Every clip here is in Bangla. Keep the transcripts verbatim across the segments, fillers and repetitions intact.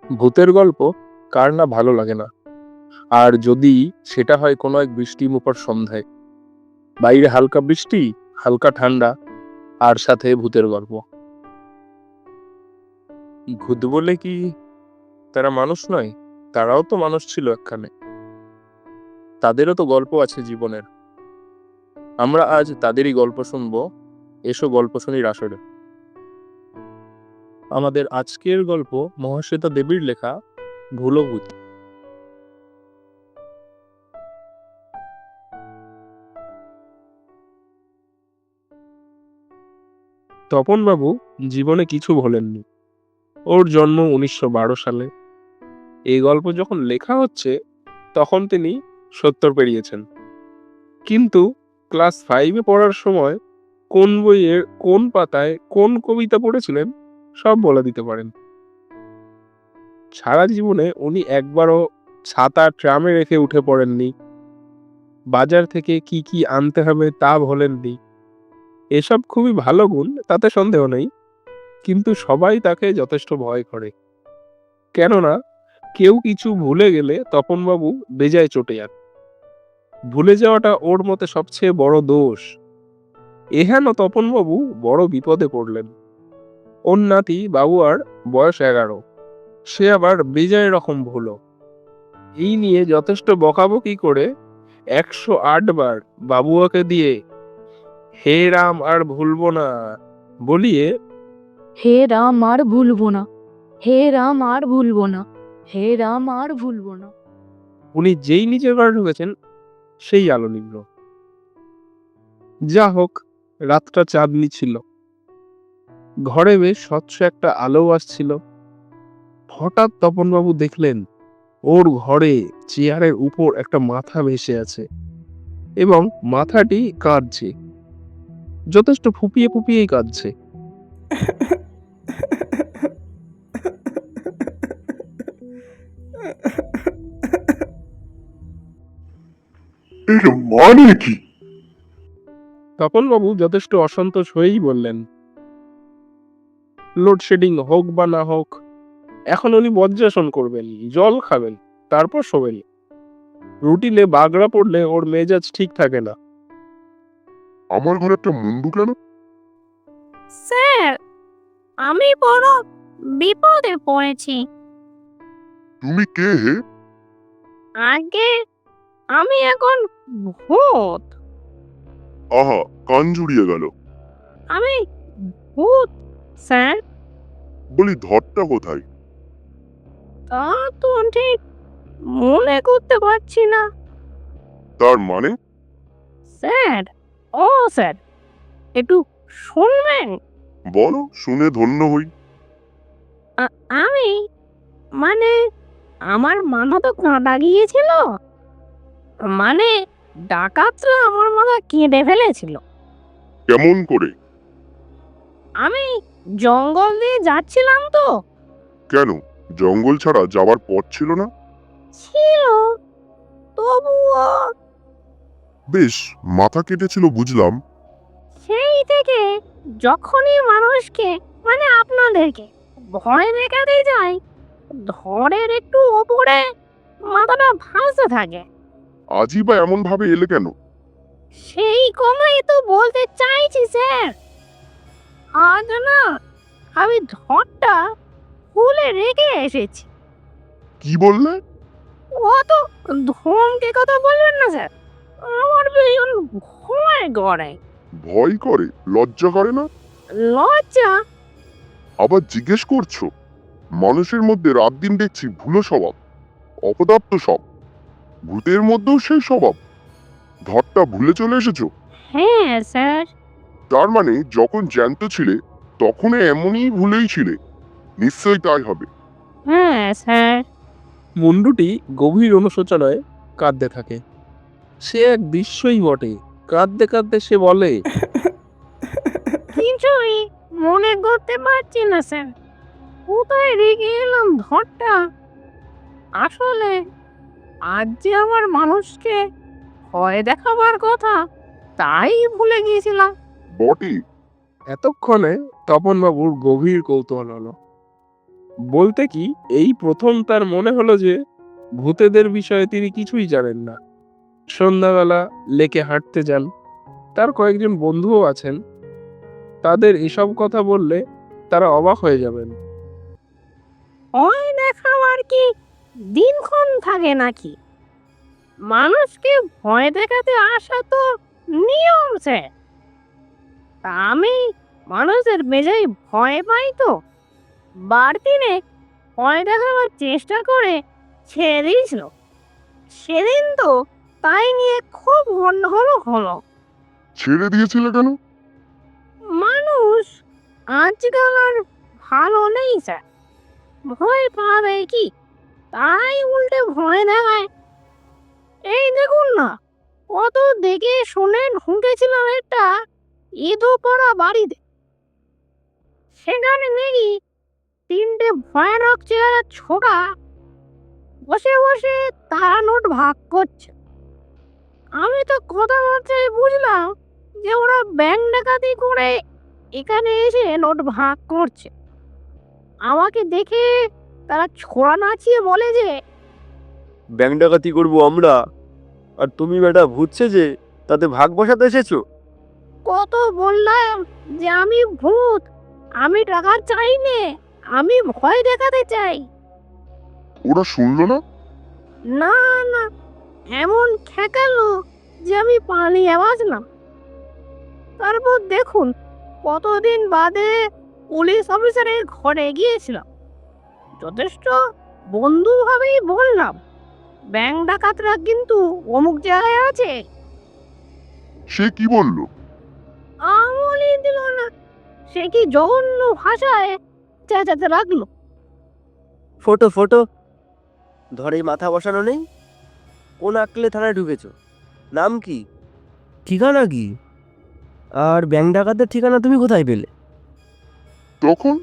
ভূতের গল্প কার না ভালো লাগে না। আর যদি সেটা হয় কোনো এক বৃষ্টিমুখর সন্ধ্যায়, বাইরে হালকা বৃষ্টি, হালকা ঠান্ডা, আর সাথে ভূতের গল্প। ভূত বলে কি তারা মানুষ নয়? তারাও তো মানুষ ছিল একখানে, তাদেরও তো গল্প আছে জীবনের। আমরা আজ তাদেরই গল্প শুনবো। এসো গল্প শুনির আসরে। আমাদের আজকের গল্প মহাশ্বেতা দেবীর লেখা ভুলো ভূত। তপনবাবু জীবনে কিছু ভোলেননি। ওর জন্ম উনিশশো বারো সালে। এই গল্প যখন লেখা হচ্ছে তখন তিনি সত্তর পেরিয়েছেন। কিন্তু ক্লাস ফাইভে পড়ার সময় কোন বইয়ের কোন পাতায় কোন কবিতা পড়েছিলেন সব বলে দিতে পারেন। সারা জীবনে উনি একবারও ছাতা ট্রামে রেখে উঠে পড়েননি। বাজার থেকে কি কি আনতে হবে তা ভোলেননি। এসব খুবই ভালো গুণ, তাতে সন্দেহ নেই। কিন্তু সবাই তাকে যথেষ্ট ভয় করে। কেননা কেউ কিছু ভুলে গেলে তপনবাবু বেজায় চটে যান। ভুলে যাওয়াটা ওর মতে সবচেয়ে বড় দোষ। এহেন তপনবাবু বড় বিপদে পড়লেন। ওর নাতি বাবুয়ার বয়স এগারো, সে আবার বেজায় রকম ভুলো। এই নিয়ে যথেষ্ট বকাবকি করে একশো আট বার বাবুয়াকে দিয়ে হে রাম আর ভুলবো না বলিয়ে হে রাম আর ভুলবো না, হে রাম আর ভুলবো না, হে রাম আর ভুলবো না। উনি যেই নিজের ঘরে ঢুকেছেন সেই আলো নিভল। যা হোক, রাতটা চাঁদনি ছিল। ঘরে বেশ স্বচ্ছ একটা আলো আসছিল। হঠাৎ তপনবাবু দেখলেন ওর ঘরে চেয়ারের উপর একটা মাথা ভেসে আছে এবং মাথাটি কাঁদছে, যথেষ্ট ফুপিয়ে ফুপিয়েই কাঁদছে। এর মানে কি? তপনবাবু যথেষ্ট অসন্তোষ হয়েই বললেন, লোডশেডিং হোক বা না হোক, এখন উনি বজ্রাসন করবেন, জল খাবেন, তারপর শোবেন। রুটিনে বাগড়া পড়লে ওর মেজাজ ঠিক থাকে না। আমার ঘরে একটা মুন্ডু কেন? স্যার, আমি বড় বিপদে পড়েছি। তুমি কে হে? আগে আমি এখন ভূত। আহা, কান জুড়িয়ে গেল। আমি ভূত স্যার। বলি ধরটা কোথায়? তা তো ঠিক মনে করতে পারছি না তার মানে? স্যার। ও স্যার, একটু শুনবেন? বলো, শুনে ধন্য হই। আ- আমি মানে আমার মাথা তো কাঁটা গিয়েছিল। মানে ডাকাতরা আমার মাথা কেটে ফেলেছিল। কেমন করে? আমি জঙ্গল দিয়ে যাচ্ছিলাম তো। কেন, জঙ্গল ছাড়া যাবার পথ ছিল না? ছিল, তবুও বেশ, মাথা কেটেছিল বুঝলাম। সেই থেকে যখনই মানুষকে মানে আপনাদেরকে ভয় দেখাতে যায়, ধরের একটু ওপরে মাথাটা ভাসতে থাকে। আজই বা এমন ভাবে এলে কেন? সেই কথাই তো বলতে চাইছি স্যার। আজ না আমি ধরটা খুলে রেখে এসেছি। কি বললে? অত ধমকে কথা বলবেন না স্যার, আমার ভীষণ ভয় করে। ভয় করে? লজ্জা করে না? লজ্জা? আবার জিজ্ঞেস করছো? মানুষের মধ্যে রাত দিন দেখছি ভুলো স্বভাব, অপদার্থ সব। ভূতের মধ্যেও সেই স্বভাব? ধরটা ভুলে চলে এসেছো? হ্যাঁ স্যার। তার মানে যখন জ্যান্ত ছিলে তখন এমনই ভুলেই ছিলে। নিশ্চয়ই তাই হবে। হ্যাঁ স্যার। মুন্ডুটি গভীর অনুশোচনায় কাঁদতে থাকে। সে এক দৃশ্যই বটে। কাঁদতে কাঁদতে সে বলে, কিছুই মনে করতে পারছি না স্যার, কোথায় রেখে এলাম ধরটা। আসলে আজ যে আমার মানুষকে ভয় দেখাবার কথা তাই ভুলে গিয়েছিলাম। বটে। এতক্ষণে তপনবাবুর গভীর কৌতূহল হলো। বলতে কি এই প্রথম তার মনে হলো যে ভূতেদের বিষয়ে তিনি কিছুই জানেন না। সন্ধ্যাবেলা লেকে হাঁটতে যান, তার কয়েকজন বন্ধুও আছেন। তাদের এসব কথা বললে তারা অবাক হয়ে যাবেন। ভয় দেখাবার কি দিনক্ষণ থাকে নাকি? মানুষকে ভয় দেখাতে আসা তো নিয়ম স্যার। তা আমি মানুষের বেজায় ভয় পাই তো বার দিনে ভয় দেখাবার চেষ্টা করে ছেড়ে দিয়েছিল। সেদিন তো তাই নিয়ে খুব গন্ডগোল হলো। ছেড়ে দিয়েছিলে কেন? মানুষ আজকাল আর ভালো নেই স্যার। ভয় পাবে কি, তাই উল্টে ভয় দেখায়। এই দেখুন না, কত দেখে শুনে ঢুকেছিলাম একটা ইঁদুরপাড়া বাড়িতে। সেখানে দেখি তিনটে ভয়ানক চেহারা ছোটা বসে বসে তারা নোট ভাগ করছে। আমি তো কথাবার্তায় বুঝলাম যে ওরা ব্যাংক ডাকাতি করে এখানে এসে নোট ভাগ করছে। আমাকে দেখে তারা ছোড়া নাচিয়ে বলে যে, ব্যাংক ডাকাতি করবো আমরা, আর তুমি বেটা ভূতছে যে তাতে ভাগ বসাতে এসেছো? কত বললাম যে আমি ভূত, আমি টাকা চাই নে, আমি ভয় দেখাতে চাই। ওরা শুনলো না? না না, এমন ঠেকালো যে আমি পালিয়ে বাঁচলাম। তারপর দেখুন, কতদিন বাদে পুলিশ অফিসারের ঘরে গিয়েছিলাম। যথেষ্ট বন্ধুভাবেই বললাম, ব্যাংক ডাকাতরা কিন্তু অমুক জায়গায় আছে। সে কি বললো? আমলই দিল না, সে কি জঘন্য ভাষায় চেঁচাতে লাগলো। ফটো ফটো ধরে মাথা বসানো নেই? কোন আকলে থানায় ঢুকেছো? নাম কি, ঠিকানা কি, আর ব্যাংক ডাকাতের ঠিকানা তুমি কোথায় পেলে? তখন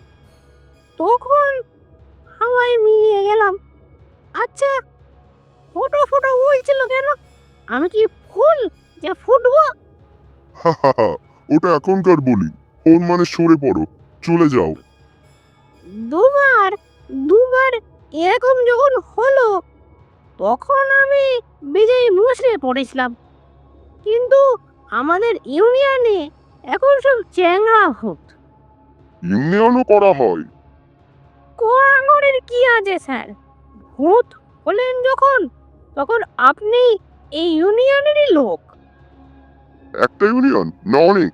তখন হাওয়ায় মিলিয়ে গেলাম। আচ্ছা, ফটো ফটো বলছিল কেন? আমি কি ফুল যে ফুটবো? হা হা হা, ওটা এখনকার বলি। ফোন মানে সরে পড়ো, চলে যাও। দুবার দুবার এরকম যখন হলো, তখন আমি বিজয়ী মুসড়ে পড়েছিলাম। কিন্তু আমাদের ইউনিয়নে এখন সব চ্যাংড়া ভূত। ইউনিয়নও করা হয়? কোয়াঙ্গরের কি আছে স্যার? ভূত হলেন যখন, তখন আপনি এই ইউনিয়নেরই লোক। একটা ইউনিয়ন না অনেক?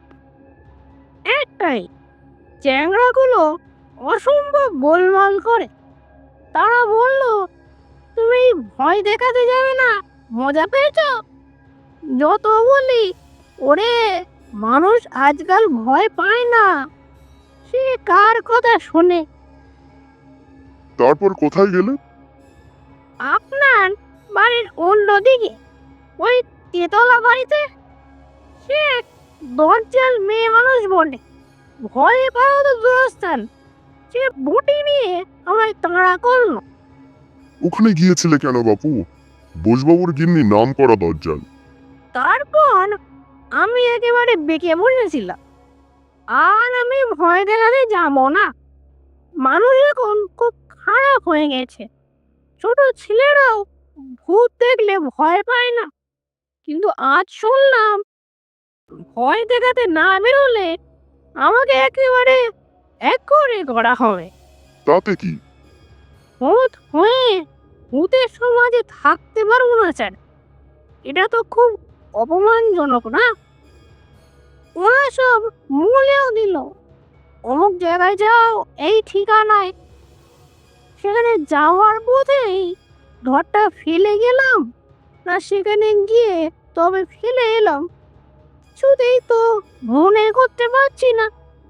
একটাই। চ্যাংড়াগুলো অসম্ভব গোলমাল করে। তারা বলল, তুমি ভয় দেখাতে যাবে না, মজা পেয়েছ? যত বলি, ওরে মানুষ আজকাল ভয় পায় না, সে কার কথা শোনে? তারপর কোথায় গেলে? আপনার বাড়ির অন্যদিকে, ওই তেতলা বাড়িতে। সে এক দরজাল মেয়ে মানুষ বলে, ভয়ে পাওয়া তো দূরস্থান, সে বুটি নিয়ে আমায় তাড়া করলো। ওখানে গিয়েছিলে কেন বাপু? বোসবাবুর গিন্নি নাম করা দরজাল। তারপর আমি একেবারে বেঁকে বসেছিলাম, আর আমি ভয় দেখাতে যাবো না। মানুষ এখন খুব খারাপ হয়ে গেছে। ছোট ছেলেরাও ভূত দেখলে ভয় পায় না। কিন্তু আজ শুনলাম, ভয় দেখাতে না বেরোলে আমাকে একেবারে এক করে করা হবে। তাতে কি? ভূত হয়ে ভূতের সমাজে থাকতে পারবো না স্যার। এটা তো খুব অপমানজনক না? ওরা সব মূলেও দিল, অমুক জায়গায় যাও, এই ঠিকানায়। সেখানে যাওয়ার পথেই ঘরটা ফেলে গেলাম, না সেখানে গিয়ে তবে ফেলে এলাম, কিছুতেই তো মনে করতে পারছি না।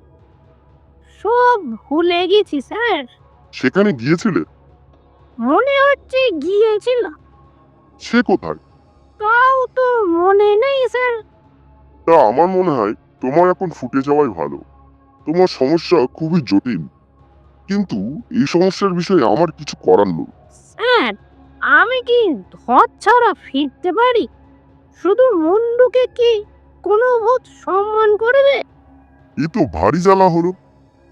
সব ভুলে গেছি স্যার। সেখানে গিয়েছিলে? মনে হচ্ছে গিয়েছিলাম, সে কোথায়? তাও তো মনে নেই স্যার। তা আমার মনে হয় তোমার এখন ফুটে যাওয়াই ভালো। তোমার সমস্যা খুবই জটিল, কিন্তু এই সমস্যার বিষয়ে আমার কিছু করার নেই। স্যার, আমি কি ধর ছাড়া ফিরতে পারি? শুধু মুন্ডুকে কি কোনো ভূত সম্মান করবে? এ তো ভারী জ্বালা হলো।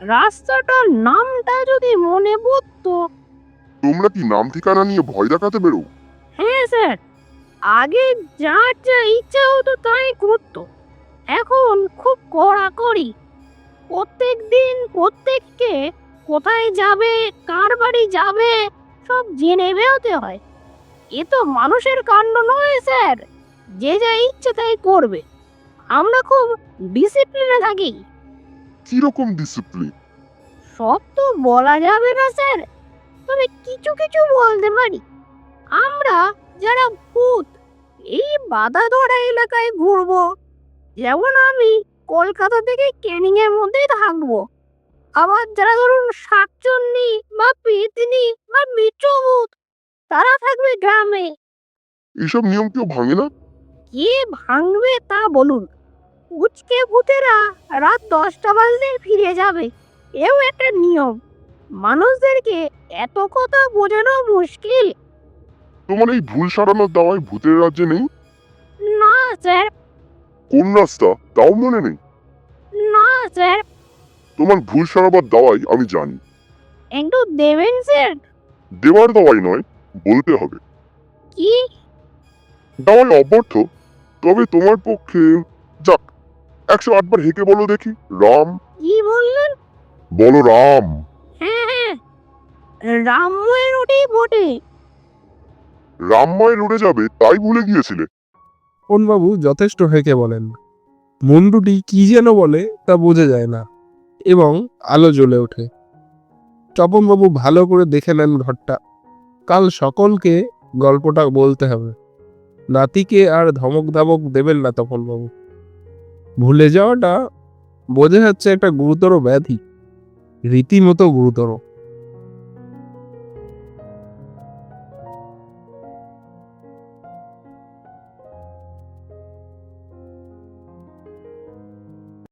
রাস্তাটার নামটা যদি মনে পড়তো। তোমরা কি নাম ঠিকানা নিয়ে ভয় দেখাতে বেরো? হ্যাঁ স্যার, আগে যার যা ইচ্ছা হতো তাই করতো, এখন খুব কড়াকড়ি। প্রত্যেক দিন প্রত্যেককে কোথায় যাবে, কার বাড়ি যাবে সব জেনে বেরোতে হয়। এ তো মানুষের কাণ্ড নয় স্যার, যে যা ইচ্ছে তাই করবে। আমরা খুব ডিসিপ্লিনে থাকি। কিরকম ডিসিপ্লিন? সব তো বলা যাবে না স্যার, তবে কিছু কিছু বলতে পারি। আমরা যারা ভূত এই বাধা ধরা এলাকায় ঘুরবো, যেমন আমি কলকাতা থেকে ক্যানিং এর মধ্যেই থাকবো। আবার যারা ধরুন শাকচুন্নি বা পেতনি বা মিত্রভূত, তারা থাকবে গ্রামে। এসব নিয়ম কেউ ভাঙে না? কে ভাঙবে তা বলুন? উচকে ভূতেরা রাত দশটা বাজলে ফিরে যাবে, এও একটা নিয়ম। মানুষদেরকে এত কথা বোঝানো মুশকিল। তোমার এই ভুল সারানোর দাওয়ায় ভূতের রাজ্যে নেই? না স্যার, কোন রাস্তা তাও মনে নেই? না স্যার। তোমার ভুল সারাবার দাওয়াই আমি জানি। একটু দেবেন স্যার? দেওয়ার দাওয়াই নয়, বলতে হবে। কি? দাওয়াই অব্যর্থ, তবে তোমার পক্ষে যাক, একশো আটবার হেঁকে বলো দেখি, রাম। কি বললেন? বলো রাম। হ্যাঁ হ্যাঁ, রামময়ের ওটাই বটে। রামময় লড়ে যাবে তাই ভুলে গিয়েছিলে? বাবু যথেষ্ট হেঁকে বলেন। মুন্ডুটি কি যেন বলে তা বোঝা যায় না এবং আলো জ্বলে ওঠে। তপনবাবু ভালো করে দেখে নেন ঘরটা। কাল সকলকে গল্পটা বলতে হবে। নাতিকে আর ধমক ধামক দেবেন না তপনবাবু। ভুলে যাওয়াটা বোঝা যাচ্ছে একটা গুরুতর ব্যাধি, রীতিমতো গুরুতর।